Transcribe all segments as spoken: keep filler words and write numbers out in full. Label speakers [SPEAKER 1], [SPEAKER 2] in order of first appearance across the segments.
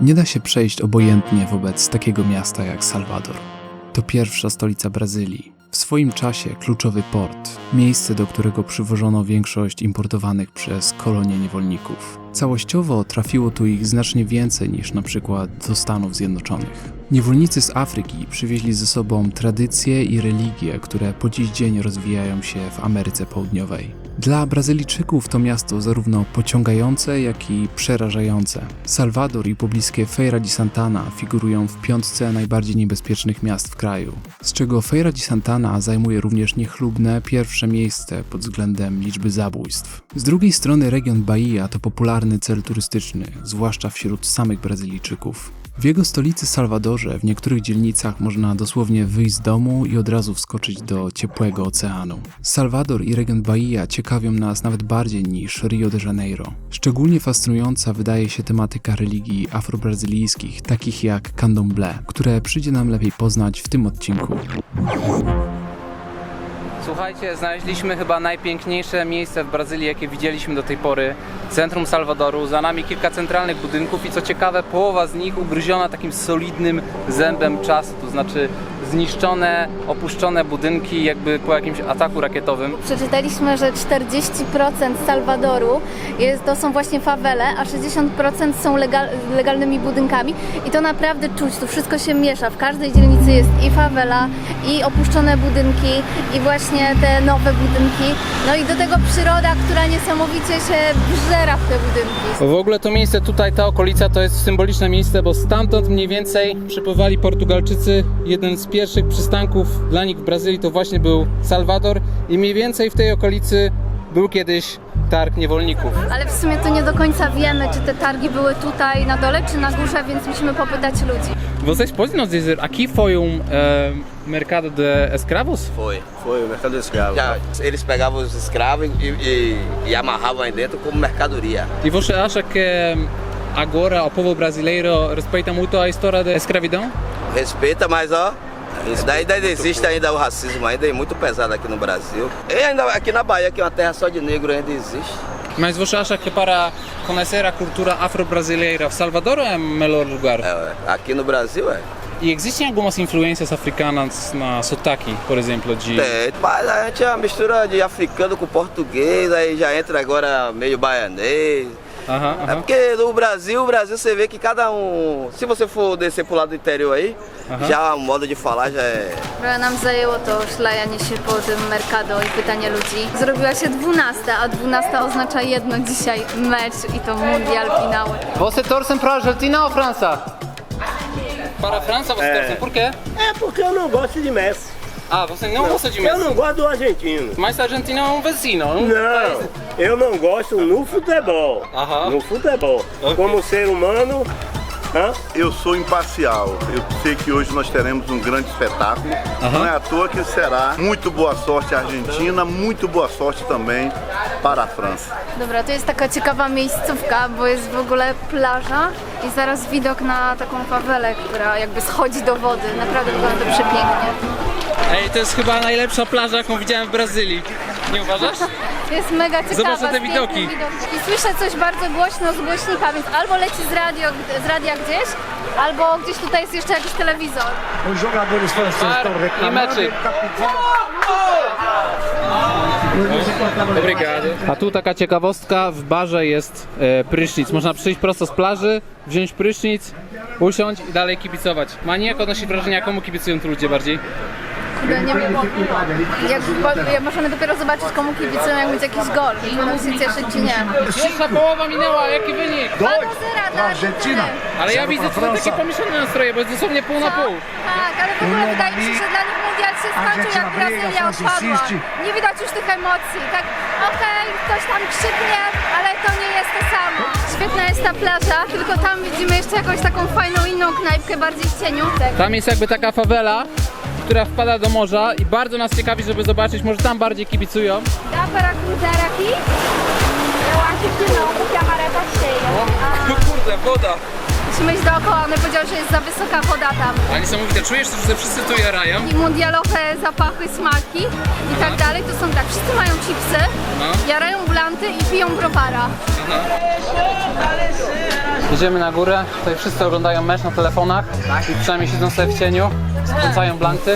[SPEAKER 1] Nie da się przejść obojętnie wobec takiego miasta jak Salwador. To pierwsza stolica Brazylii, w swoim czasie kluczowy port, miejsce, do którego przywożono większość importowanych przez kolonie niewolników. Całościowo trafiło tu ich znacznie więcej niż na przykład do Stanów Zjednoczonych. Niewolnicy z Afryki przywieźli ze sobą tradycje i religie, które po dziś dzień rozwijają się w Ameryce Południowej. Dla Brazylijczyków to miasto zarówno pociągające, jak i przerażające. Salwador i pobliskie Feira de Santana figurują w piątce najbardziej niebezpiecznych miast w kraju, z czego Feira de Santana zajmuje również niechlubne pierwsze miejsce pod względem liczby zabójstw. Z drugiej strony region Bahia to popularny cel turystyczny, zwłaszcza wśród samych Brazylijczyków. W jego stolicy Salwadorze w niektórych dzielnicach można dosłownie wyjść z domu i od razu wskoczyć do ciepłego oceanu. Salwador i region Bahia ciekawią nas nawet bardziej niż Rio de Janeiro. Szczególnie fascynująca wydaje się tematyka religii afrobrazylijskich, takich jak Candomblé, które przyjdzie nam lepiej poznać w tym odcinku.
[SPEAKER 2] Słuchajcie, znaleźliśmy chyba najpiękniejsze miejsce w Brazylii, jakie widzieliśmy do tej pory. Centrum Salwadoru, za nami kilka centralnych budynków i co ciekawe, połowa z nich ugryziona takim solidnym zębem czasu, to znaczy zniszczone, opuszczone budynki jakby po jakimś ataku rakietowym.
[SPEAKER 3] Przeczytaliśmy, że czterdzieści procent Salwadoru jest, to są właśnie fawele, a sześćdziesiąt procent są legal, legalnymi budynkami i to naprawdę czuć, tu wszystko się miesza. W każdej dzielnicy jest i fawela, i opuszczone budynki, i właśnie te nowe budynki. No i do tego przyroda, która niesamowicie się wżera w te budynki.
[SPEAKER 2] W ogóle to miejsce tutaj, ta okolica to jest symboliczne miejsce, bo stamtąd mniej więcej przypływali Portugalczycy. Jeden z pierwszych przystanków dla nich w Brazylii to właśnie był Salwador i mniej więcej w tej okolicy był kiedyś targ niewolników.
[SPEAKER 3] Ale w sumie to nie do końca wiemy, czy te targi były tutaj na dole, czy na górze, więc musimy popytać ludzi.
[SPEAKER 2] Vocês podem nos dizer, aqui foi um uh, mercado de escravos?
[SPEAKER 4] Foi, foi o mercado de escravos. Já, eles pegavam os escravos e, e, e amarravam aí dentro como mercadoria.
[SPEAKER 2] E você acha que agora o povo brasileiro respeita muito a história da escravidão?
[SPEAKER 4] Respeita, mas ó, isso daí ainda existe ainda o racismo ainda é muito pesado aqui no Brasil. E ainda aqui na Bahia, que é uma terra só de negro, ainda existe.
[SPEAKER 2] Mas você acha que para conhecer a cultura afro-brasileira, Salvador é o melhor lugar?
[SPEAKER 4] É, aqui no Brasil é.
[SPEAKER 2] E existem algumas influências africanas na sotaque, por exemplo, de...
[SPEAKER 4] Tem, mas a gente é uma mistura de africano com português, aí já entra agora meio baianês.
[SPEAKER 2] Aha, aha.
[SPEAKER 4] É porque no Brasil, o Brasil você vê que cada um, se você for descer pro lado do interior aí,
[SPEAKER 2] Aha.
[SPEAKER 4] já o modo de falar já é...
[SPEAKER 3] Trochę nam zajęło to szlajanie się po tym Mercado i pytanie ludzi. Zrobiła się dwunasta, a dwunasta oznacza jedno dzisiaj, mecz i to mundial finały.
[SPEAKER 2] Você torcem para a Argentina ou França? Para a França você
[SPEAKER 5] É.
[SPEAKER 2] torcem, por quê?
[SPEAKER 5] É porque eu não gosto de Messi.
[SPEAKER 2] Ah, você não gosta de
[SPEAKER 5] Eu
[SPEAKER 2] Messi?
[SPEAKER 5] não gosto do argentino.
[SPEAKER 2] Mas a Argentina é um vizinho, um
[SPEAKER 5] Não,
[SPEAKER 2] país-
[SPEAKER 5] eu não gosto no futebol.
[SPEAKER 2] Aham.
[SPEAKER 5] No futebol.
[SPEAKER 2] Ok.
[SPEAKER 5] Como ser humano, hã?
[SPEAKER 6] Eu sou imparcial. Eu sei que hoje nós teremos um grande espetáculo. Não é à toa que será muito boa sorte à Argentina, muito boa sorte também para a França.
[SPEAKER 3] Dobra, to jest taka ciekawa miejscówka, bo jest w ogóle plaża i zaraz widok na taką fawelę, która jakby schodzi do wody. Naprawdę wygląda to przepięknie.
[SPEAKER 2] Ej, to jest chyba najlepsza plaża, jaką widziałem w Brazylii. Nie uważasz?
[SPEAKER 3] Jest mega ciekawa.
[SPEAKER 2] Zobacz na te
[SPEAKER 3] z pięknym
[SPEAKER 2] widoki.
[SPEAKER 3] widokiem. I słyszę coś bardzo głośno z głośnika, więc albo leci z, radio, z radia gdzieś, albo gdzieś tutaj jest jeszcze jakiś telewizor.
[SPEAKER 7] Os jogadores franceses
[SPEAKER 2] Bar
[SPEAKER 7] estão
[SPEAKER 2] e
[SPEAKER 7] reclamando.
[SPEAKER 2] meczyk. Obrigado. A tu taka ciekawostka, w barze jest e, prysznic. Można przyjść prosto z plaży, wziąć prysznic, usiąść i dalej kibicować. Ma nie jak odnosi wrażenia, komu kibicują tu ludzie bardziej?
[SPEAKER 3] Kurde, nie wiem, jak, jak możemy dopiero zobaczyć, komu kibicują, jak będzie jakiś gol. Czy będą się cieszyć, czy nie.
[SPEAKER 2] Pierwsza połowa minęła, jaki wynik?
[SPEAKER 3] dwa do zera dla
[SPEAKER 7] Argentina.
[SPEAKER 3] Argentyny.
[SPEAKER 2] Ale ja widzę tutaj takie pomieszane nastroje, bo jest dosłownie pół na pół.
[SPEAKER 3] Tak, ale w ogóle wydaje mi się, że dla nich mundial się skończył, jak Brazylia odpadła. Nie widać już tych emocji, tak okej, ktoś tam krzyknie, ale to nie jest to samo. Świetna jest ta plaża, tylko tam widzimy jeszcze jakąś taką fajną inną knajpkę, bardziej w cieniu.
[SPEAKER 2] Tam jest jakby taka fawela, która wpada do morza i bardzo nas ciekawi, żeby zobaczyć, może tam bardziej kibicują.
[SPEAKER 3] Dá para cruzar aqui? Eu acho que não, porque a maré tá cheia.
[SPEAKER 2] Kurde, woda!
[SPEAKER 3] Musimy iść dookoła, one powiedziały, że jest za wysoka woda tam.
[SPEAKER 2] Ale niesamowite, czujesz, że wszyscy tu jarają?
[SPEAKER 3] I mundialowe zapachy, smaki i tak dalej, to są tak, wszyscy mają chipsy,
[SPEAKER 2] No.
[SPEAKER 3] jarają blanty i piją browara.
[SPEAKER 2] Jedziemy na górę, tutaj wszyscy oglądają mecz na telefonach i przynajmniej siedzą sobie w cieniu, skręcają blanty.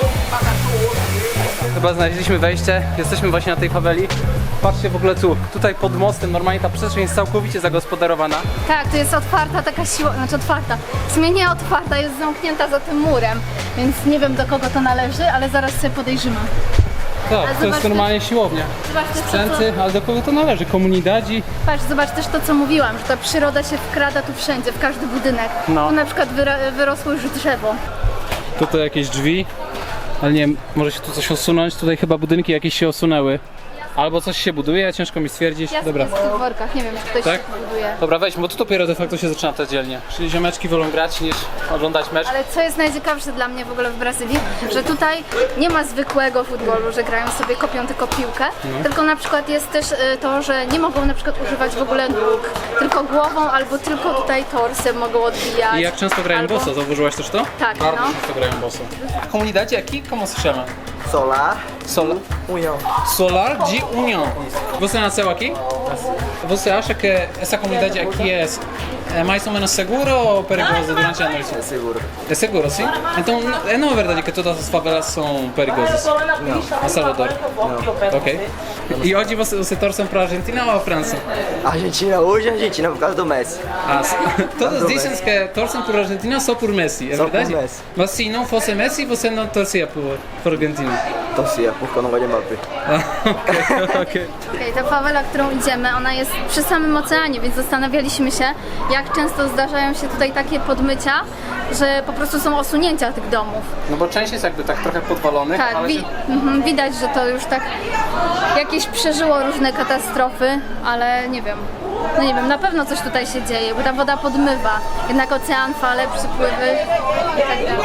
[SPEAKER 2] Chyba znaleźliśmy wejście, jesteśmy właśnie na tej faweli. Patrzcie w ogóle tu, tutaj pod mostem normalnie ta przestrzeń jest całkowicie zagospodarowana.
[SPEAKER 3] Tak, to jest otwarta taka siła, znaczy otwarta, w sumie nie otwarta, jest zamknięta za tym murem, więc nie wiem do kogo to należy, ale zaraz sobie podejrzymy.
[SPEAKER 2] Tak,
[SPEAKER 3] Ale
[SPEAKER 2] to
[SPEAKER 3] zobacz
[SPEAKER 2] jest
[SPEAKER 3] też-
[SPEAKER 2] normalnie siłownia.
[SPEAKER 3] Zobacz też to,
[SPEAKER 2] Sprzęty, ale do kogo to należy? Komunidadzi?
[SPEAKER 3] Patrz, zobacz też to, co mówiłam, że ta przyroda się wkrada tu wszędzie, w każdy budynek.
[SPEAKER 2] No.
[SPEAKER 3] Tu na przykład wyra- wyrosło już drzewo.
[SPEAKER 2] Tutaj jakieś drzwi, ale nie wiem, może się tu coś osunąć. Tutaj chyba budynki jakieś się osunęły. Albo coś się buduje, ciężko mi stwierdzić.
[SPEAKER 3] Ja
[SPEAKER 2] Dobra.
[SPEAKER 3] sobie w tych workach, nie wiem, czy ktoś
[SPEAKER 2] Tak?
[SPEAKER 3] się tu buduje.
[SPEAKER 2] Dobra, weźmy, bo tu dopiero de facto się zaczyna ta dzielnia. Czyli ziomeczki wolą grać niż oglądać mecz.
[SPEAKER 3] Ale co jest najciekawsze dla mnie w ogóle w Brazylii, że tutaj nie ma zwykłego futbolu, że grają sobie, kopią tylko piłkę, tylko na przykład jest też y, to, że nie mogą na przykład używać w ogóle nóg, tylko głową albo tylko tutaj torsem mogą odbijać.
[SPEAKER 2] I jak często grają
[SPEAKER 3] albo...
[SPEAKER 2] boso? Zauważyłaś też to?
[SPEAKER 3] Tak,
[SPEAKER 2] Bardzo
[SPEAKER 3] no.
[SPEAKER 2] często grają boso. A comunidade aqui, como se chama?
[SPEAKER 7] Solar,
[SPEAKER 2] Sol
[SPEAKER 7] União.
[SPEAKER 2] Solar de União. Você nasceu aqui? Você acha que essa comunidade aqui é, é mais ou menos segura ou perigosa durante a noite?
[SPEAKER 7] É seguro.
[SPEAKER 2] É seguro, sim? Então não- é não é verdade que todas as favelas são perigosas? Não. A Salvador? Não. Ok. E hoje você, você torce para a Argentina ou a França?
[SPEAKER 7] Argentina, hoje Argentina por causa do Messi.
[SPEAKER 2] Ah, s- todos dizem que torcem por Argentina só por Messi, é
[SPEAKER 7] Só por
[SPEAKER 2] verdade?
[SPEAKER 7] Messi.
[SPEAKER 2] Mas se não fosse Messi, você não torcia por, por Argentina?
[SPEAKER 7] Torcia, porque eu não gosto de Mbappé.
[SPEAKER 2] Ah, ok, ok.
[SPEAKER 3] Okej, ta fawela, którą idziemy, ona jest przy samym oceanie, więc zastanawialiśmy się, jak często zdarzają się tutaj takie podmycia, że po prostu są osunięcia tych domów.
[SPEAKER 2] No bo część jest jakby tak trochę podwalonych,
[SPEAKER 3] Tak,
[SPEAKER 2] ale
[SPEAKER 3] wi-
[SPEAKER 2] się...
[SPEAKER 3] mhm, widać, że to już tak jakieś przeżyło różne katastrofy, ale nie wiem. No nie wiem, na pewno coś tutaj się dzieje, bo ta woda podmywa. Jednak ocean, fale, przypływy i tak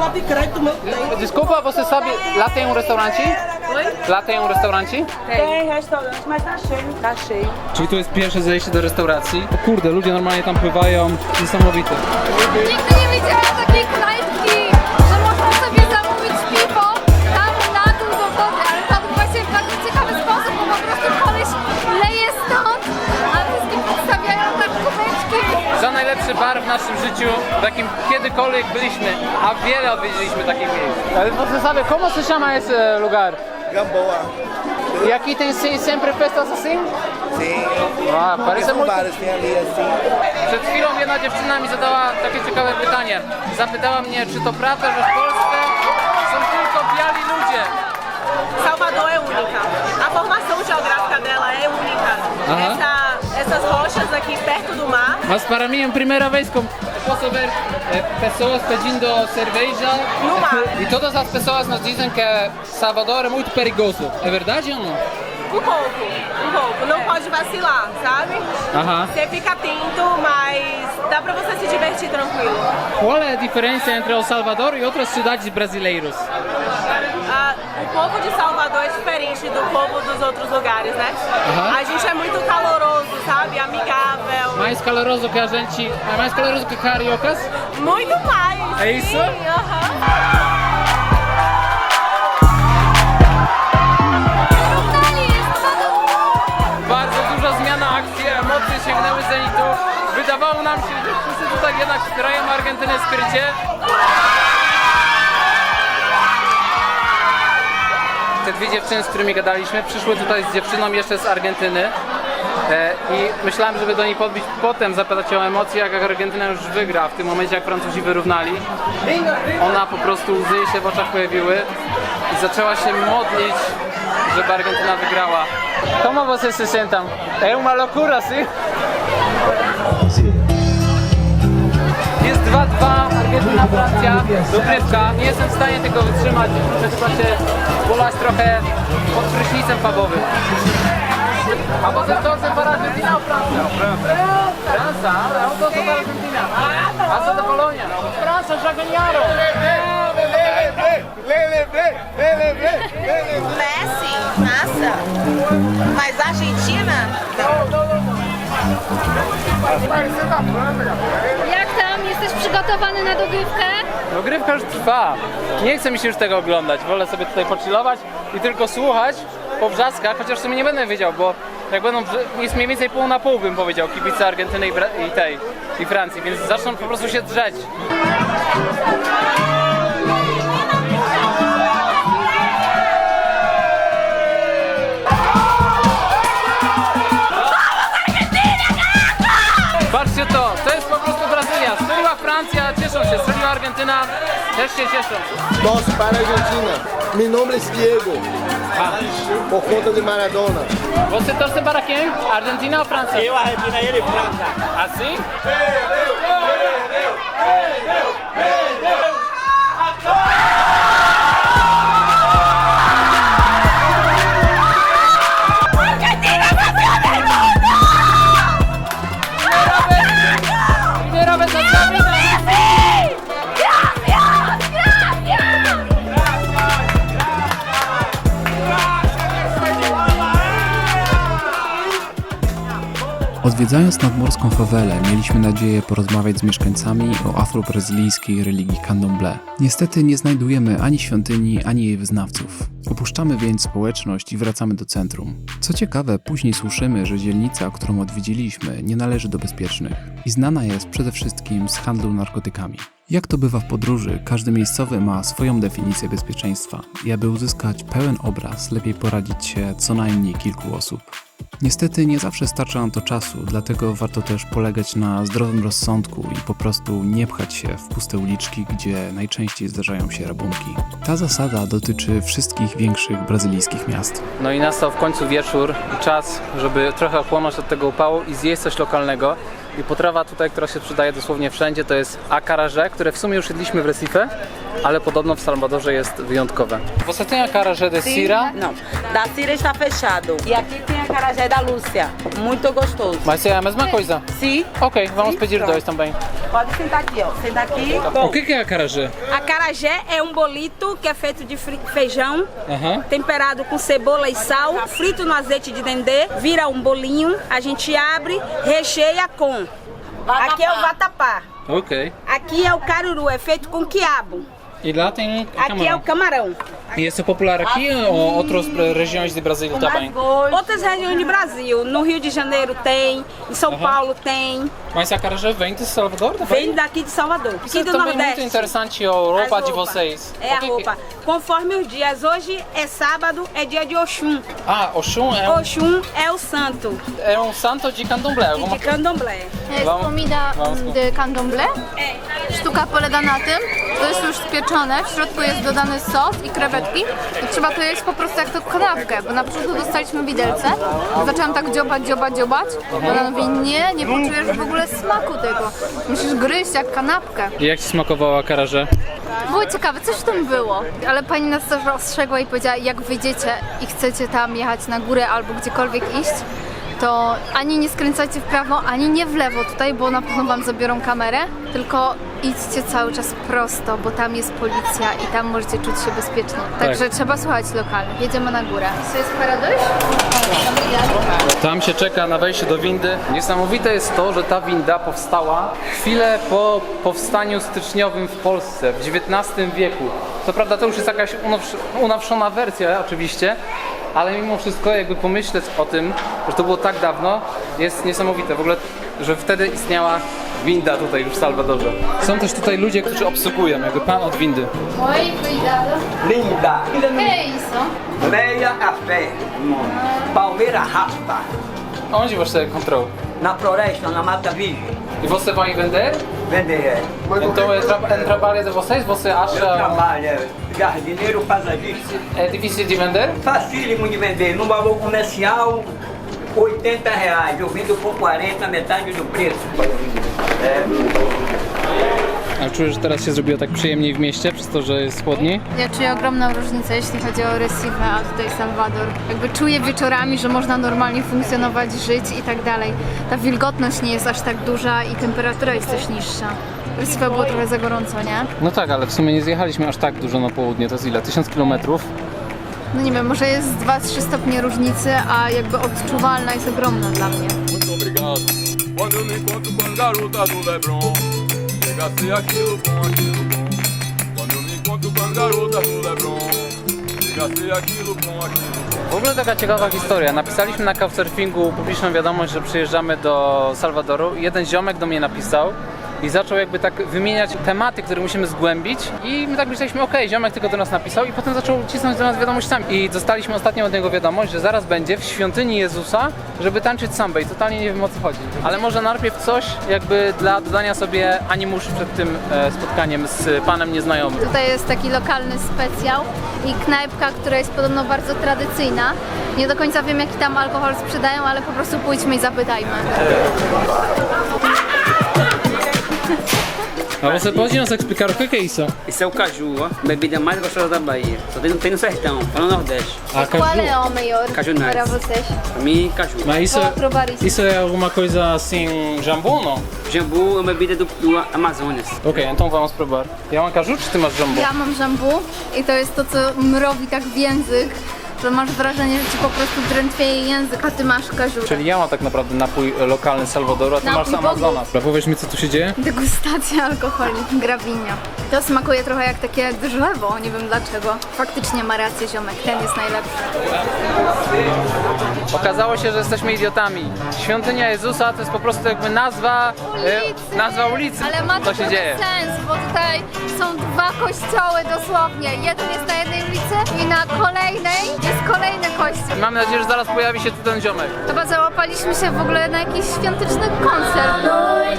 [SPEAKER 3] dalej.
[SPEAKER 2] Desculpa, você sabe, lá tem um restaurante? Lá tem um restaurante?
[SPEAKER 8] Tem restaurante, mas tá cheio. Tá cheio.
[SPEAKER 2] Czyli tu jest pierwsze zejście do restauracji. O kurde, ludzie normalnie tam pływają, niesamowite.
[SPEAKER 3] Nigdy nie widziałam takiej knajpki, że można sobie zamówić piwo tam na dół do wody, ale to właśnie w bardzo ciekawy sposób, bo po prostu koleś leje stąd, a wszystkim podstawiają tak kubeczki.
[SPEAKER 2] Za najlepszy bar w naszym życiu, w jakim kiedykolwiek byliśmy, a wiele odwiedziliśmy takich miejsc. Ale você sabe como se chama esse lugar?
[SPEAKER 9] Gamboa.
[SPEAKER 2] E aqui tem se- sempre festas assim?
[SPEAKER 9] Sim.
[SPEAKER 2] Ah, parece
[SPEAKER 9] São
[SPEAKER 2] muito.
[SPEAKER 9] vários, tem ali assim.
[SPEAKER 2] Przed chwilą jedna dziewczyna mi zadała takie ciekawe pytanie. Zapytała mnie, czy to prawda, że w Polsce są tylko biali ludzie.
[SPEAKER 8] Salvador é única. A formação geográfica dela é única.
[SPEAKER 2] Aham.
[SPEAKER 8] Essa, essas rochas aqui perto do mar.
[SPEAKER 2] Mas para mí en primera vez com- posso ver eh, pessoas pedindo cerveja
[SPEAKER 8] No mar.
[SPEAKER 2] e todas as pessoas nos dizem que Salvador é muito perigoso. É verdade ou não?
[SPEAKER 8] Um pouco, um pouco. Não pode vacilar, sabe?
[SPEAKER 2] Aham.
[SPEAKER 8] Você fica atento, mas dá pra você se divertir tranquilo.
[SPEAKER 2] Qual é a diferença entre El Salvador e outras cidades brasileiras?
[SPEAKER 8] Ah, o povo de Salvador é diferente do povo dos outros lugares, né?
[SPEAKER 2] Aham.
[SPEAKER 8] A gente é muito caloroso, sabe? Amigável.
[SPEAKER 2] Mais caloroso que a gente, é mais caloroso que cariocas?
[SPEAKER 8] Muito mais.
[SPEAKER 2] É isso?
[SPEAKER 8] Sim, aham.
[SPEAKER 2] Bardzo duża zmiana akcji, emocje sięgnęły zenitu. Wydawało nam się, że wszyscy tutaj jednak wspierają Argentynę skrycie. Te dwie dziewczyny, z którymi gadaliśmy, przyszły tutaj z dziewczyną jeszcze z Argentyny. E, I myślałem, żeby do niej podbić potem, zapytać o emocje, jak Argentyna już wygra. W tym momencie, jak Francuzi wyrównali, ona po prostu łzy się w oczach pojawiły i zaczęła się modlić, żeby Argentyna wygrała. Como você se sentem? É uma loucura, sim? Jest dwa dwa, Argentyna, Francja, dogrywka. Nie jestem w stanie tego wytrzymać, muszę chyba się bolać trochę pod prysznicem pubowym. A potem to chcę para Argentina o Francja? França, ale eu torço para Argentina. A co do Polônia? França já ganharam.
[SPEAKER 10] Messi, massa. Mas Argentina?
[SPEAKER 3] Jak ta przygotowany na dogrywkę?
[SPEAKER 2] Dogrywka już trwa. Nie chce mi się już tego oglądać. Wolę sobie tutaj pochillować i tylko słuchać po wrzaskach, chociaż w sumie nie będę wiedział, bo jak będą, wrze- jest mniej więcej pół na pół, bym powiedział, kibice Argentyny i, Bra- i tej, i Francji, więc zaczną po prostu się drzeć. Patrzcie to, to jest po prostu Brazylia. Strzeliła Francja, cieszą się. Strzeliła Argentyna, też się cieszą.
[SPEAKER 9] Torço para a Argentina. Mi nombre es Diego. Por conta de Maradona.
[SPEAKER 2] ¿Você torce para quién? ¿Argentina o Francia?
[SPEAKER 5] Eu, Argentina e ele, França.
[SPEAKER 2] ¿Así? Primera vez en la vida.
[SPEAKER 1] Odwiedzając nadmorską fawelę, mieliśmy nadzieję porozmawiać z mieszkańcami o afrobrazylijskiej religii Candomblé. Niestety nie znajdujemy ani świątyni, ani jej wyznawców. Opuszczamy więc społeczność i wracamy do centrum. Co ciekawe, później słyszymy, że dzielnica, którą odwiedziliśmy, nie należy do bezpiecznych i znana jest przede wszystkim z handlu narkotykami. Jak to bywa w podróży, każdy miejscowy ma swoją definicję bezpieczeństwa i aby uzyskać pełen obraz, lepiej poradzić się co najmniej kilku osób. Niestety nie zawsze starcza nam to czasu, dlatego warto też polegać na zdrowym rozsądku i po prostu nie pchać się w puste uliczki, gdzie najczęściej zdarzają się rabunki. Ta zasada dotyczy wszystkich większych brazylijskich miast.
[SPEAKER 2] No i nastał w końcu wieczór i czas, żeby trochę ochłonąć od tego upału i zjeść coś lokalnego. I potrawa tutaj, która się sprzedaje dosłownie wszędzie, to jest acarajé, które w sumie już jedliśmy w Recife, ale podobno w Salwadorze jest wyjątkowe. Você tem acarajé de Cira?
[SPEAKER 8] Não, da Cira está fechado. E aqui tem a acarajé da Lúcia, muito gostoso.
[SPEAKER 2] Mas é a mesma coisa?
[SPEAKER 8] Sim.
[SPEAKER 2] Ok, vamos
[SPEAKER 8] Sim,
[SPEAKER 2] pedir
[SPEAKER 8] pronto.
[SPEAKER 2] dois também.
[SPEAKER 8] Pode sentar aqui, ó. Senta aqui.
[SPEAKER 2] O que que é acarajé?
[SPEAKER 8] Acarajé é um bolito que é feito de fri- feijão,
[SPEAKER 2] Aham.
[SPEAKER 8] temperado com cebola e sal, frito no azeite de dendê, vira um bolinho, a gente abre, recheia com. Aqui é o vatapá.
[SPEAKER 2] Ok.
[SPEAKER 8] Aqui é o caruru, é feito com quiabo.
[SPEAKER 2] E lá tem
[SPEAKER 8] Aqui é o camarão.
[SPEAKER 2] E esse é popular aqui ou outras regiões de Brasília também?
[SPEAKER 8] Outras regiões de Brasil, no Rio de Janeiro tem, em São Paulo tem,
[SPEAKER 2] Mas acarajé vem de Salvador também?
[SPEAKER 8] vem daqui de Salvador,
[SPEAKER 2] Isso
[SPEAKER 8] aqui do
[SPEAKER 2] também é muito
[SPEAKER 8] Nordeste.
[SPEAKER 2] interessante a roupa
[SPEAKER 8] As
[SPEAKER 2] de
[SPEAKER 8] roupas.
[SPEAKER 2] vocês.
[SPEAKER 8] É
[SPEAKER 2] O
[SPEAKER 8] a
[SPEAKER 2] que que-
[SPEAKER 8] roupa. Conforme os dias. Hoje é sábado, é dia de Oxum.
[SPEAKER 2] Ah, Oxum é um,
[SPEAKER 8] Oxum é o santo
[SPEAKER 2] é um santo de candomblé.
[SPEAKER 8] e
[SPEAKER 2] Alguma...
[SPEAKER 8] de candomblé.
[SPEAKER 3] Jest
[SPEAKER 2] Wam-
[SPEAKER 3] komida
[SPEAKER 2] wam-
[SPEAKER 3] de candomblé. Sztuka polega na tym, to jest już spieczone, w środku jest dodany sos i krewetki i trzeba to jeść po prostu jak to kanapkę, bo na początku dostaliśmy widelce, zaczęłam tak dziobać, dziobać, dziobać, ona mówi nie, nie poczujesz w ogóle smaku tego, musisz gryźć jak kanapkę.
[SPEAKER 2] I jak ci smakowało acarajé?
[SPEAKER 3] Było ciekawe, coś w tym było, ale pani nas też ostrzegła i powiedziała, jak wyjdziecie i chcecie tam jechać na górę albo gdziekolwiek iść, to ani nie skręcajcie w prawo, ani nie w lewo tutaj, bo na pewno wam zabiorą kamerę, tylko idźcie cały czas prosto, bo tam jest policja i tam możecie czuć się bezpiecznie. Także trzeba słuchać lokalnych. Jedziemy na górę. To jest paradoks?
[SPEAKER 2] Tam się czeka na wejście do windy. Niesamowite jest to, że ta winda powstała chwilę po powstaniu styczniowym w Polsce w dziewiętnastym wieku. Co prawda to już jest jakaś unows- unowszona wersja oczywiście, ale mimo wszystko jakby pomyśleć o tym, że to było tak dawno, jest niesamowite. W ogóle, że wtedy istniała winda tutaj już w Salwadorze. Są też tutaj ludzie, którzy obsługują, jakby pan od windy.
[SPEAKER 3] Oj, cuidado.
[SPEAKER 7] Linda.
[SPEAKER 3] Que isso?
[SPEAKER 7] Meia a pé. Palmeira raspa.
[SPEAKER 2] Onde você encontrou?
[SPEAKER 7] Na floresta, na Mata Virgem.
[SPEAKER 2] E você vai vender?
[SPEAKER 7] Vender é.
[SPEAKER 2] Então é, tra é trabalho de vocês? Você
[SPEAKER 7] Eu
[SPEAKER 2] acha
[SPEAKER 7] trabalho, é jardineiro paisagista.
[SPEAKER 2] é difícil de vender?
[SPEAKER 7] Facílimo de vender. No valor comercial, oitenta reais. Eu vendo por quarenta, metade do preço.
[SPEAKER 2] A czujesz, że teraz się zrobiło tak przyjemniej w mieście, przez to, że jest chłodniej?
[SPEAKER 3] Ja czuję ogromną różnicę, jeśli chodzi o Recife, a tutaj Salwador. Jakby czuję wieczorami, że można normalnie funkcjonować, żyć i tak dalej. Ta wilgotność nie jest aż tak duża i temperatura jest też niższa. W Recife było trochę za gorąco, nie?
[SPEAKER 2] No tak, ale w sumie nie zjechaliśmy aż tak dużo na południe, to jest ile? tysiąc kilometrów?
[SPEAKER 3] No nie wiem, może jest dwa trzy stopnie różnicy, a jakby odczuwalna jest ogromna dla mnie.
[SPEAKER 11] Muito obrigado. Quando eu me encontro com as garotas do Leblon, Chega a ser aquilo bom, aquilo bom. Quando eu me encontro com as garotas no Leblon. Chega a ser aquilo bom, aquilo bom.
[SPEAKER 2] W ogóle taka ciekawa historia. Napisaliśmy na Couchsurfingu publiczną wiadomość, że przyjeżdżamy do Salwadoru. Jeden ziomek do mnie napisał i zaczął jakby tak wymieniać tematy, które musimy zgłębić i my tak myśleliśmy, okej, okay, ziomek tylko do nas napisał i potem zaczął cisnąć do nas wiadomościami. I dostaliśmy ostatnio od niego wiadomość, że zaraz będzie w świątyni Jezusa, żeby tańczyć sambę i totalnie nie wiem, o co chodzi. Ale może najpierw coś jakby dla dodania sobie animuszu przed tym e, spotkaniem z panem nieznajomym.
[SPEAKER 3] Tutaj jest taki lokalny specjał i knajpka, która jest podobno bardzo tradycyjna. Nie do końca wiem, jaki tam alkohol sprzedają, ale po prostu pójdźmy i zapytajmy.
[SPEAKER 2] A você pode nos explicar o que é isso?
[SPEAKER 7] Isso é o caju, ó. Bebida mais gostosa da Bahia. Só tem, tem no sertão, lá no Nordeste.
[SPEAKER 2] A
[SPEAKER 3] Qual é o melhor
[SPEAKER 7] Caju nuts.
[SPEAKER 3] para vocês?
[SPEAKER 7] Pra mim, caju.
[SPEAKER 2] Mas isso,
[SPEAKER 3] Vou provar isso.
[SPEAKER 2] isso é alguma coisa assim, jambu não?
[SPEAKER 7] Jambu é uma bebida do, do Amazonas.
[SPEAKER 2] Ok, então vamos provar. Ja mam kaju, czy ty masz jambu?
[SPEAKER 3] Ja mam żambu i to jest to, co mrowi tak w język, że masz wrażenie, że ci po prostu drętwieje język, a ty masz każurę.
[SPEAKER 2] Czyli ja mam tak naprawdę napój lokalny z Salwadoru, a ty
[SPEAKER 3] Napój
[SPEAKER 2] masz z Amazonas. Powiedz mi, co tu się dzieje?
[SPEAKER 3] Degustacja alkoholi, grawinia. To smakuje trochę jak takie drzewo, nie wiem dlaczego. Faktycznie ma rację ziomek, ten jest najlepszy.
[SPEAKER 2] Okazało się, że jesteśmy idiotami. Świątynia Jezusa to jest po prostu jakby nazwa
[SPEAKER 3] Ulicy.
[SPEAKER 2] E, nazwa ulicy.
[SPEAKER 3] Ale ma
[SPEAKER 2] Co
[SPEAKER 3] to
[SPEAKER 2] się
[SPEAKER 3] trochę
[SPEAKER 2] dzieje?
[SPEAKER 3] sens, bo tutaj są dwa kościoły dosłownie. Jeden jest na jednej ulicy i na kolejnej jest kolejny kościół.
[SPEAKER 2] Mam nadzieję, że zaraz pojawi się tu ten ziomek.
[SPEAKER 3] Chyba załapaliśmy się w ogóle na jakiś świąteczny koncert.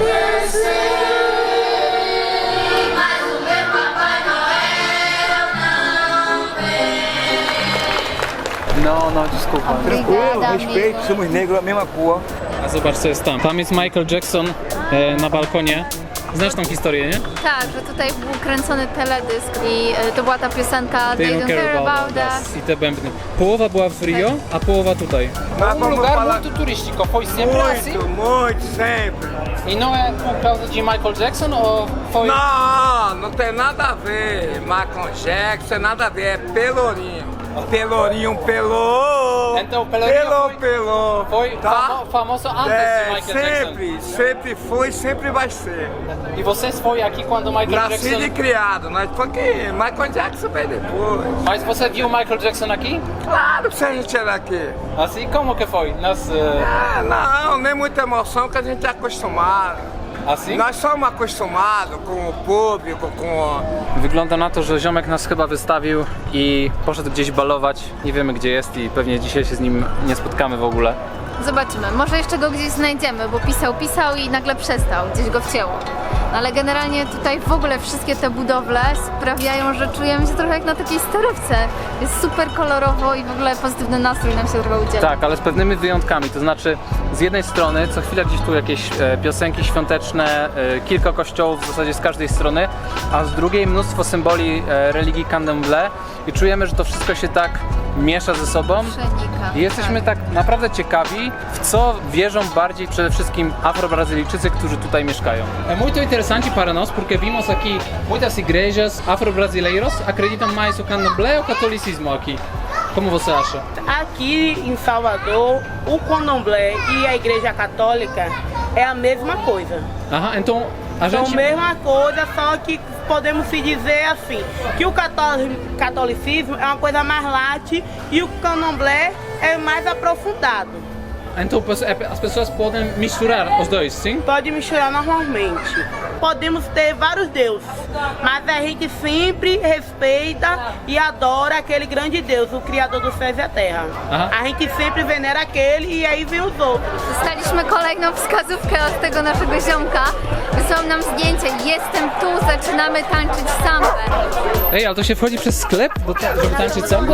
[SPEAKER 2] No, no, desculpa.
[SPEAKER 3] Obrigada, amigo.
[SPEAKER 7] somos negros, a mesma cor.
[SPEAKER 2] A zobacz, co jest tam. Tam jest Michael Jackson e, na balkonie. Znasz tą historię, nie?
[SPEAKER 3] Tak, że tutaj był kręcony teledysk i e, to była ta piosenka They Don't Care About Us.
[SPEAKER 2] I te bębny. Połowa była w Rio, a połowa tutaj. Um lugar muito turístico. Foi sempre assim?
[SPEAKER 5] muito, sempre.
[SPEAKER 2] E não é por causa de Michael Jackson ou foi...
[SPEAKER 11] Não, não tem nada a ver. Michael Jackson, nada a ver. É Pelourinho. Pelourinho pelou.
[SPEAKER 2] Então, Pelourinho
[SPEAKER 11] pelou,
[SPEAKER 2] foi-
[SPEAKER 11] pelou.
[SPEAKER 2] Foi
[SPEAKER 11] tá?
[SPEAKER 2] famo- famoso antes de
[SPEAKER 11] É,
[SPEAKER 2] Michael
[SPEAKER 11] sempre,
[SPEAKER 2] Jackson.
[SPEAKER 11] sempre foi e sempre vai ser.
[SPEAKER 2] E vocês foi aqui quando Michael
[SPEAKER 11] Nascido e
[SPEAKER 2] Jackson...
[SPEAKER 11] criado. Nós foi que Michael Jackson veio depois.
[SPEAKER 2] Mas você viu Michael Jackson aqui?
[SPEAKER 11] Claro, se a gente era aqui.
[SPEAKER 2] Assim, como que foi? Nas, eh,
[SPEAKER 11] Ah, não, nem muita emoção que a gente é acostumado.
[SPEAKER 2] assim?
[SPEAKER 11] Nós somos acostumados com o público, com...
[SPEAKER 2] Wygląda na to, że ziomek nas chyba wystawił i poszedł gdzieś balować. Nie wiemy, gdzie jest i pewnie dzisiaj się z nim nie spotkamy w ogóle.
[SPEAKER 3] Zobaczymy, może jeszcze go gdzieś znajdziemy, bo pisał, pisał i nagle przestał, gdzieś go wcięło. No ale generalnie tutaj w ogóle wszystkie te budowle sprawiają, że czujemy się trochę jak na takiej starówce. Jest super kolorowo i w ogóle pozytywny nastrój nam się trochę udziela.
[SPEAKER 2] Tak, ale z pewnymi wyjątkami, to znaczy z jednej strony co chwilę gdzieś tu jakieś e, piosenki świąteczne, e, kilka kościołów w zasadzie z każdej strony, a z drugiej mnóstwo symboli e, religii Candomblé i czujemy, że to wszystko się tak miesza ze sobą.
[SPEAKER 3] Przenika.
[SPEAKER 2] I jesteśmy tak naprawdę ciekawi, w co wierzą bardziej przede wszystkim Afro-Brazylijczycy, którzy tutaj mieszkają. É muito interessante para nós porque vimos aqui muitas igrejas afro-brasileiros acreditam mais o Candomblé ou o catolicismo aqui. Como você acha?
[SPEAKER 8] Aqui em Salvador, o candomblé e a igreja católica é a mesma coisa.
[SPEAKER 2] Aha, então a
[SPEAKER 8] São a
[SPEAKER 2] gente...
[SPEAKER 8] mesma coisa, só que podemos se dizer assim, que o catoli- catolicismo é uma coisa mais light e o candomblé é mais aprofundado.
[SPEAKER 2] Então as pessoas podem misturar os dois, sim?
[SPEAKER 8] Pode misturar normalmente. Podemos ter vários deuses, mas a gente sempre respeita e adora aquele grande Deus, o Criador dos céus e a terra.
[SPEAKER 2] Aha.
[SPEAKER 8] A gente sempre venera aquele e aí vem os outros.
[SPEAKER 3] Dostaliśmy kolejną wskazówkę od tego naszego ziomka. Wysłał nam zdjęcie. Jestem tu, zaczynamy tańczyć sambę.
[SPEAKER 2] Ej, ale to się wchodzi przez sklep, do ta- żeby tańczyć sambę?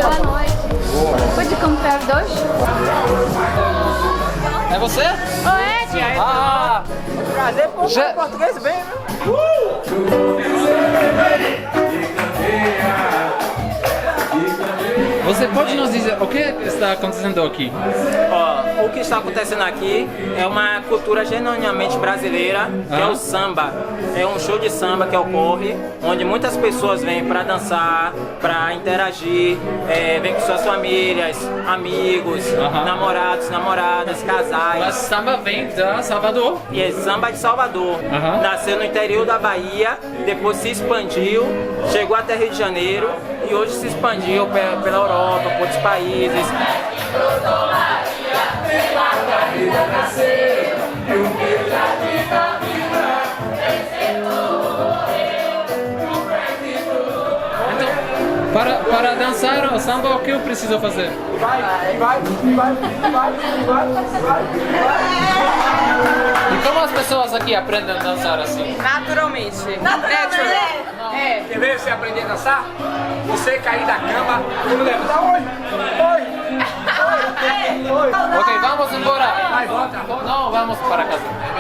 [SPEAKER 3] Pode comprar dois?
[SPEAKER 2] É você?
[SPEAKER 3] Oi,
[SPEAKER 2] Ah!
[SPEAKER 8] Prazer por
[SPEAKER 2] Já-
[SPEAKER 8] português bem, né?
[SPEAKER 2] Você pode nos dizer o que está acontecendo aqui?
[SPEAKER 12] Ó, o que está acontecendo aqui é uma cultura genuinamente brasileira, que é o samba. É um show de samba que ocorre, onde muitas pessoas vêm para dançar, para interagir, é, vêm com suas famílias, amigos, namorados, namoradas, casais.
[SPEAKER 2] Mas samba vem de Salvador?
[SPEAKER 12] E é samba de Salvador. Nasceu no interior da Bahia, depois se expandiu, chegou até Rio de Janeiro e hoje se expandiu pela, pela Europa, por outros países.
[SPEAKER 2] Para, para dançar o samba, o que eu preciso fazer?
[SPEAKER 11] Vai, vai, vai, vai, vai, vai.
[SPEAKER 2] E como as pessoas aqui aprendem a dançar assim?
[SPEAKER 10] Naturalmente.
[SPEAKER 11] Naturalmente.
[SPEAKER 10] É.
[SPEAKER 11] Quer ver você aprender a dançar? Você cair da cama, como levantar oi, oi, oi, oi.
[SPEAKER 2] Ok, vamos embora.
[SPEAKER 11] Vai, volta, volta.
[SPEAKER 2] Não, vamos para casa.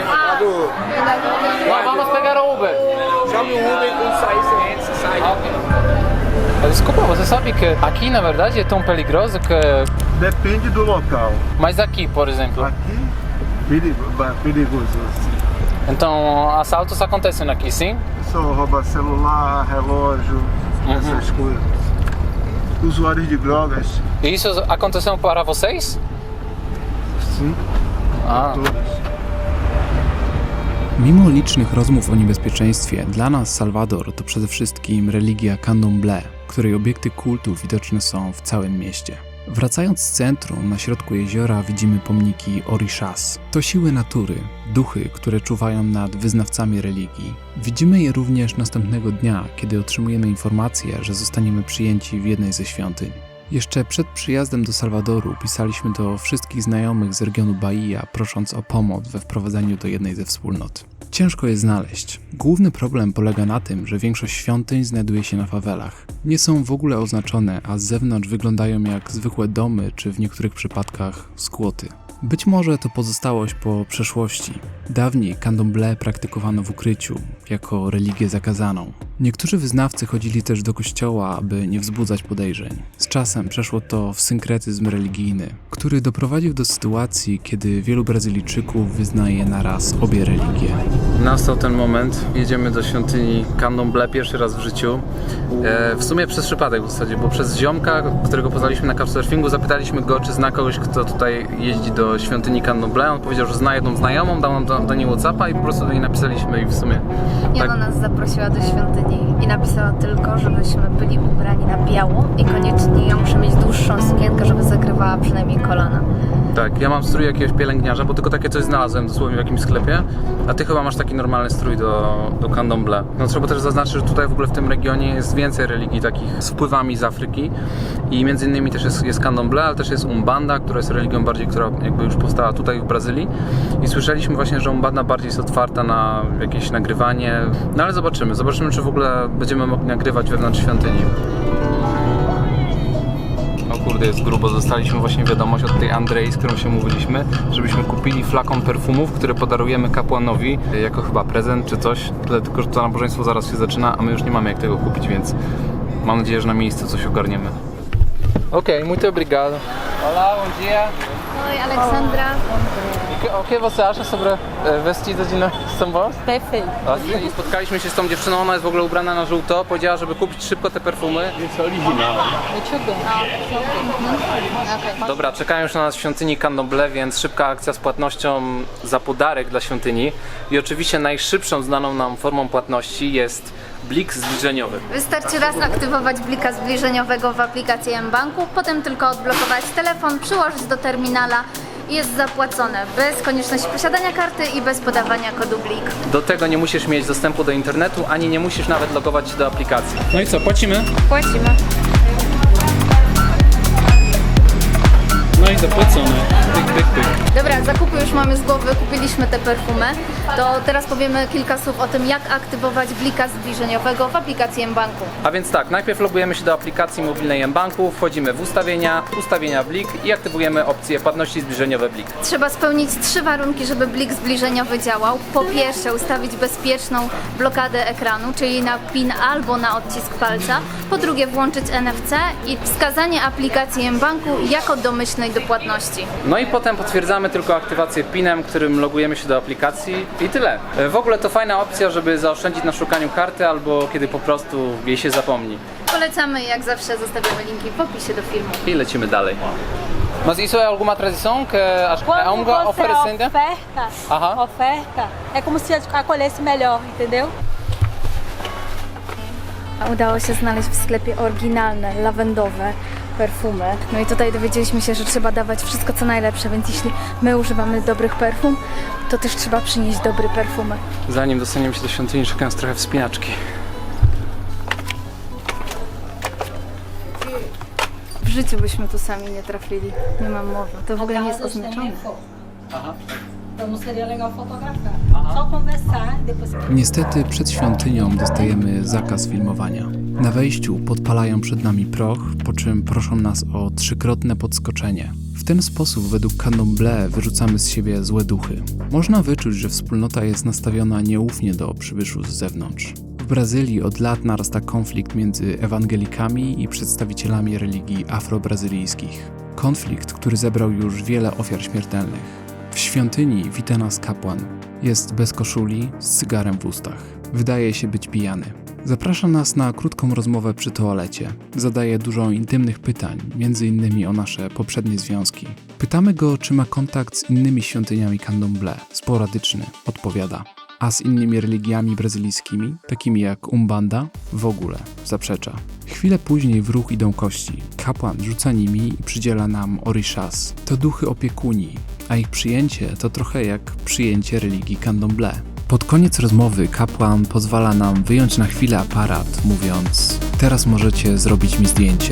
[SPEAKER 2] Não, vamos pegar o Uber.
[SPEAKER 11] Chame o Uber e quando sair você entra, você sai.
[SPEAKER 2] Ok. Desculpa, você sabe que aqui na verdade é tão perigoso que...
[SPEAKER 6] Depende do local.
[SPEAKER 2] Mas aqui, por exemplo?
[SPEAKER 6] Aqui, perigo, perigoso.
[SPEAKER 2] Então, assaltos acontecem aqui, sim?
[SPEAKER 6] Só rouba celular, relógio, essas coisas. Usuários de drogas.
[SPEAKER 2] E isso aconteceu para vocês?
[SPEAKER 6] Sim.
[SPEAKER 2] A.
[SPEAKER 1] Mimo licznych rozmów o niebezpieczeństwie, dla nas Salwador to przede wszystkim religia Candomblé, której obiekty kultu widoczne są w całym mieście. Wracając z centrum, na środku jeziora widzimy pomniki Orishas. To siły natury, duchy, które czuwają nad wyznawcami religii. Widzimy je również następnego dnia, kiedy otrzymujemy informację, że zostaniemy przyjęci w jednej ze świątyń. Jeszcze przed przyjazdem do Salwadoru pisaliśmy do wszystkich znajomych z regionu Bahia, prosząc o pomoc we wprowadzeniu do jednej ze wspólnot. Ciężko je znaleźć. Główny problem polega na tym, że większość świątyń znajduje się na fawelach. Nie są w ogóle oznaczone, a z zewnątrz wyglądają jak zwykłe domy, czy w niektórych przypadkach skłoty. Być może to pozostałość po przeszłości. Dawniej Candomblé praktykowano w ukryciu, jako religię zakazaną. Niektórzy wyznawcy chodzili też do kościoła, aby nie wzbudzać podejrzeń. Z czasem przeszło to w synkretyzm religijny, który doprowadził do sytuacji, kiedy wielu Brazylijczyków wyznaje naraz obie religie.
[SPEAKER 2] Nastał ten moment, jedziemy do świątyni Candomblé pierwszy raz w życiu. E, w sumie przez przypadek w zasadzie, bo przez ziomka, którego poznaliśmy na couchsurfingu, zapytaliśmy go, czy zna kogoś, kto tutaj jeździ do świątyni Candomblé. On powiedział, że zna jedną znajomą, dał nam do, do niej WhatsAppa i po prostu do niej napisaliśmy i w sumie...
[SPEAKER 3] I ona
[SPEAKER 2] tak...
[SPEAKER 3] nas zaprosiła do świątyni i napisała tylko, żebyśmy byli ubrani na biało i koniecznie ja muszę mieć dłuższą sukienkę, żeby zakrywała przynajmniej kolana.
[SPEAKER 2] Tak, ja mam strój jakiegoś pielęgniarza, bo tylko takie coś znalazłem dosłownie w jakimś sklepie, a ty chyba masz taki normalny strój do, do Candomblé. No trzeba też zaznaczyć, że tutaj w ogóle w tym regionie jest więcej religii takich z wpływami z Afryki i między innymi też jest, jest Candomblé, ale też jest Umbanda, która jest religią bardziej, która jakby już powstała tutaj w Brazylii i słyszeliśmy właśnie, że Umbanda bardziej jest otwarta na jakieś nagrywanie, no ale zobaczymy, zobaczymy czy w ogóle będziemy mogli nagrywać wewnątrz świątyni. O kurde, jest grubo. Dostaliśmy właśnie wiadomość od tej Andrei, z którą się mówiliśmy, żebyśmy kupili flakon perfumów, które podarujemy kapłanowi jako chyba prezent czy coś. Tyle tylko, że to nabożeństwo zaraz się zaczyna, a my już nie mamy jak tego kupić, więc mam nadzieję, że na miejscu coś ogarniemy. Okej, okay, muito obrigado. Olá, bom dia.
[SPEAKER 3] Oi, Aleksandra.
[SPEAKER 2] O que você acha sobre vestido de São Paulo?
[SPEAKER 10] Perfeito.
[SPEAKER 2] I spotkaliśmy się z tą dziewczyną, ona jest w ogóle ubrana na żółto, powiedziała, żeby kupić szybko te perfumy.
[SPEAKER 5] Jest oryginalny.
[SPEAKER 2] Dobra, czekają już na nas w świątyni Candomblé, więc szybka akcja z płatnością za podarek dla świątyni. I oczywiście najszybszą znaną nam formą płatności jest blik zbliżeniowy.
[SPEAKER 3] Wystarczy raz aktywować blika zbliżeniowego w aplikacji mBanku, potem tylko odblokować telefon, przyłożyć do terminala i jest zapłacone bez konieczności posiadania karty i bez podawania kodu blik.
[SPEAKER 2] Do tego nie musisz mieć dostępu do internetu, ani nie musisz nawet logować się do aplikacji. No i co, płacimy?
[SPEAKER 3] Płacimy.
[SPEAKER 1] No i zapłacone. Pyk, pyk, pyk.
[SPEAKER 3] Dobra, zakupy już mamy z głowy, kupiliśmy te perfumy. To teraz powiemy kilka słów o tym, jak aktywować blika zbliżeniowego w aplikacji mBanku.
[SPEAKER 2] A więc tak, najpierw logujemy się do aplikacji mobilnej mBanku, wchodzimy w ustawienia, ustawienia blik i aktywujemy opcję płatności zbliżeniowe blik.
[SPEAKER 3] Trzeba spełnić trzy warunki, żeby blik zbliżeniowy działał. Po pierwsze, ustawić bezpieczną blokadę ekranu, czyli na PIN albo na odcisk palca. Po drugie, włączyć N F C i wskazanie aplikacji mBanku jako domyślnej do płatności.
[SPEAKER 2] No i potem potwierdzamy tylko aktywację pinem, którym logujemy się do aplikacji i tyle. W ogóle to fajna opcja, żeby zaoszczędzić na szukaniu karty albo kiedy po prostu jej się zapomni.
[SPEAKER 3] Polecamy, jak zawsze zostawiamy linki w opisie do filmu.
[SPEAKER 2] I lecimy dalej. Mas isso é alguma tradição que a
[SPEAKER 13] Quando
[SPEAKER 2] Unga
[SPEAKER 13] você
[SPEAKER 2] oferecendo?
[SPEAKER 13] oferta,
[SPEAKER 2] Aham.
[SPEAKER 13] oferta, é como se acolhesse melhor, entendeu?
[SPEAKER 3] Udało się znaleźć w sklepie oryginalne, lawendowe perfumy. No i tutaj dowiedzieliśmy się, że trzeba dawać wszystko co najlepsze, więc jeśli my używamy dobrych perfum, to też trzeba przynieść dobre perfumy.
[SPEAKER 2] Zanim dostaniemy się do świątyni, czekając trochę wspinaczki.
[SPEAKER 3] W życiu byśmy tu sami nie trafili, nie mam mowy. To w ogóle nie jest oznaczone.
[SPEAKER 2] Aha.
[SPEAKER 13] Então não seria legal fotografar. Só conversar, depois.
[SPEAKER 1] Niestety przed świątynią dostajemy zakaz filmowania. Na wejściu podpalają przed nami proch, po czym proszą nas o trzykrotne podskoczenie. W ten sposób według Candomblé wyrzucamy z siebie złe duchy. Można wyczuć, że wspólnota jest nastawiona nieufnie do przybyszów z zewnątrz. W Brazylii od lat narasta konflikt między ewangelikami i przedstawicielami religii afrobrazylijskich. Konflikt, który zebrał już wiele ofiar śmiertelnych. W świątyni wita nas kapłan. Jest bez koszuli, z cygarem w ustach. Wydaje się być pijany. Zaprasza nas na krótką rozmowę przy toalecie. Zadaje dużo intymnych pytań, między innymi o nasze poprzednie związki. Pytamy go, czy ma kontakt z innymi świątyniami Candomblé. Sporadyczny, odpowiada. A z innymi religiami brazylijskimi, takimi jak Umbanda, w ogóle zaprzecza. Chwilę później w ruch idą kości. Kapłan rzuca nimi i przydziela nam orishas. To duchy opiekuni, a ich przyjęcie to trochę jak przyjęcie religii Candomblé. Pod koniec rozmowy kapłan pozwala nam wyjąć na chwilę aparat, mówiąc: teraz możecie zrobić mi zdjęcie.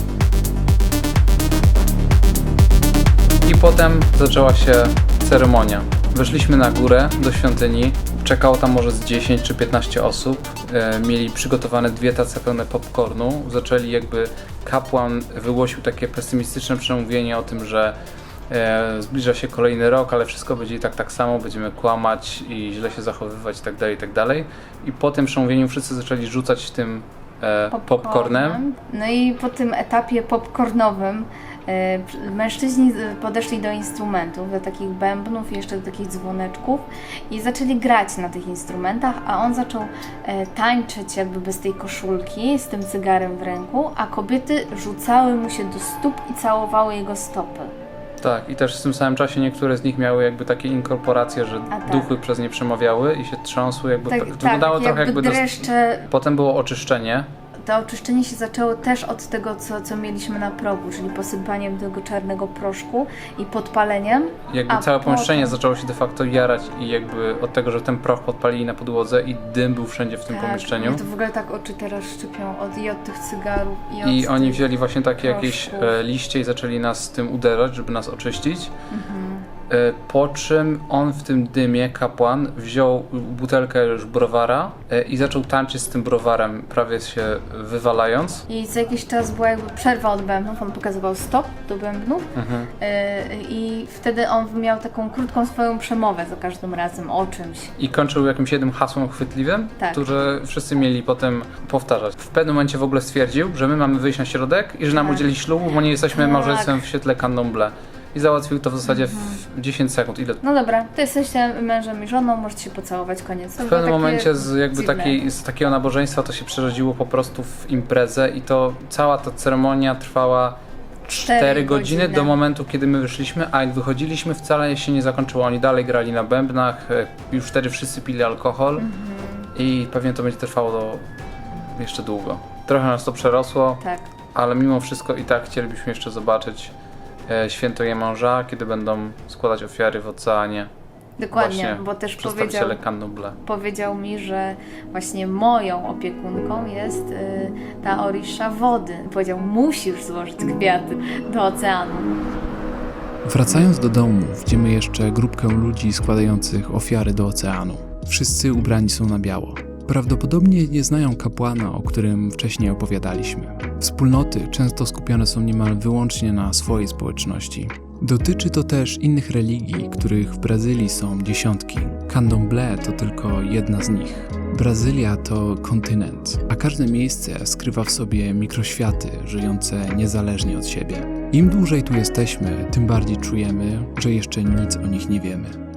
[SPEAKER 2] I potem zaczęła się ceremonia. Weszliśmy na górę do świątyni, czekało tam może z dziesięć czy piętnaście osób. E, mieli przygotowane dwie tace pełne popcornu. Zaczęli jakby, kapłan wygłosił takie pesymistyczne przemówienie o tym, że e, zbliża się kolejny rok, ale wszystko będzie i tak tak samo, będziemy kłamać i źle się zachowywać itd., itd. I po tym przemówieniu wszyscy zaczęli rzucać tym e, popcornem.
[SPEAKER 3] No i po tym etapie popcornowym mężczyźni podeszli do instrumentów, do takich bębnów i jeszcze do takich dzwoneczków i zaczęli grać na tych instrumentach, a on zaczął tańczyć jakby bez tej koszulki, z tym cygarem w ręku, a kobiety rzucały mu się do stóp i całowały jego stopy.
[SPEAKER 2] Tak, i też w tym samym czasie niektóre z nich miały jakby takie inkorporacje, że
[SPEAKER 3] tak.
[SPEAKER 2] duchy przez nie przemawiały i się trząsły, jakby
[SPEAKER 3] tak,
[SPEAKER 2] tak, wyglądało
[SPEAKER 3] tak,
[SPEAKER 2] trochę
[SPEAKER 3] jakby
[SPEAKER 2] jakby...
[SPEAKER 3] dreszcze...
[SPEAKER 2] Dos... Potem było oczyszczenie.
[SPEAKER 3] To oczyszczenie się zaczęło też od tego, co, co mieliśmy na progu, czyli posypaniem tego czarnego proszku i podpaleniem.
[SPEAKER 2] Jakby
[SPEAKER 3] a
[SPEAKER 2] całe
[SPEAKER 3] potem...
[SPEAKER 2] pomieszczenie zaczęło się de facto jarać i jakby od tego, że ten proch podpalili na podłodze i dym był wszędzie w tym
[SPEAKER 3] tak,
[SPEAKER 2] pomieszczeniu.
[SPEAKER 3] To w ogóle tak oczy teraz szczypią od, i od tych cygarów, i od
[SPEAKER 2] I oni
[SPEAKER 3] tych
[SPEAKER 2] wzięli właśnie takie
[SPEAKER 3] proszków.
[SPEAKER 2] jakieś e, liście i zaczęli nas z tym uderzać, żeby nas oczyścić.
[SPEAKER 3] Mhm.
[SPEAKER 2] E, po czym on w tym dymie, kapłan, wziął butelkę już browara e, i zaczął tańczyć z tym browarem, prawie się wywalając.
[SPEAKER 3] I co jakiś czas była jakby przerwa od bębnów, on pokazywał stop do bębnów
[SPEAKER 2] Mhm.
[SPEAKER 3] yy, i wtedy on miał taką krótką swoją przemowę za każdym razem o czymś.
[SPEAKER 2] I kończył jakimś jednym hasłem chwytliwym,
[SPEAKER 3] Tak.
[SPEAKER 2] które wszyscy mieli potem powtarzać. W pewnym momencie w ogóle stwierdził, że my mamy wyjść na środek i że nam
[SPEAKER 3] Tak.
[SPEAKER 2] udzieli ślubu, bo nie jesteśmy
[SPEAKER 3] Tak.
[SPEAKER 2] małżeństwem w świetle Candomblé. I załatwił to w zasadzie w dziesięć sekund. Ile?
[SPEAKER 3] No dobra, to jesteście mężem i żoną, możecie się pocałować, koniec. To
[SPEAKER 2] W
[SPEAKER 3] było
[SPEAKER 2] pewnym
[SPEAKER 3] takie
[SPEAKER 2] momencie z, jakby
[SPEAKER 3] dziwne.
[SPEAKER 2] takiej, z takiego nabożeństwa to się przerodziło po prostu w imprezę i to cała ta ceremonia trwała cztery godziny,
[SPEAKER 3] godziny
[SPEAKER 2] do momentu, kiedy my wyszliśmy, a jak wychodziliśmy, wcale się nie zakończyło. Oni dalej grali na bębnach, e, już wtedy wszyscy pili alkohol
[SPEAKER 3] Mhm.
[SPEAKER 2] i pewnie to będzie trwało do jeszcze długo. Trochę nas to przerosło,
[SPEAKER 3] Tak.
[SPEAKER 2] ale mimo wszystko i tak chcielibyśmy jeszcze zobaczyć e, święto Iemanża, kiedy będą składać ofiary w oceanie.
[SPEAKER 3] Dokładnie,
[SPEAKER 2] Właśnie
[SPEAKER 3] bo też powiedział,
[SPEAKER 2] przedstawiciele Candomblé.
[SPEAKER 3] powiedział mi, że właśnie moją opiekunką jest y, ta orisza wody. Powiedział, musisz złożyć kwiaty do oceanu.
[SPEAKER 1] Wracając do domu, widzimy jeszcze grupkę ludzi składających ofiary do oceanu. Wszyscy ubrani są na biało. Prawdopodobnie nie znają kapłana, o którym wcześniej opowiadaliśmy. Wspólnoty często skupione są niemal wyłącznie na swojej społeczności. Dotyczy to też innych religii, których w Brazylii są dziesiątki. Candomblé to tylko jedna z nich. Brazylia to kontynent, a każde miejsce skrywa w sobie mikroświaty żyjące niezależnie od siebie. Im dłużej tu jesteśmy, tym bardziej czujemy, że jeszcze nic o nich nie wiemy.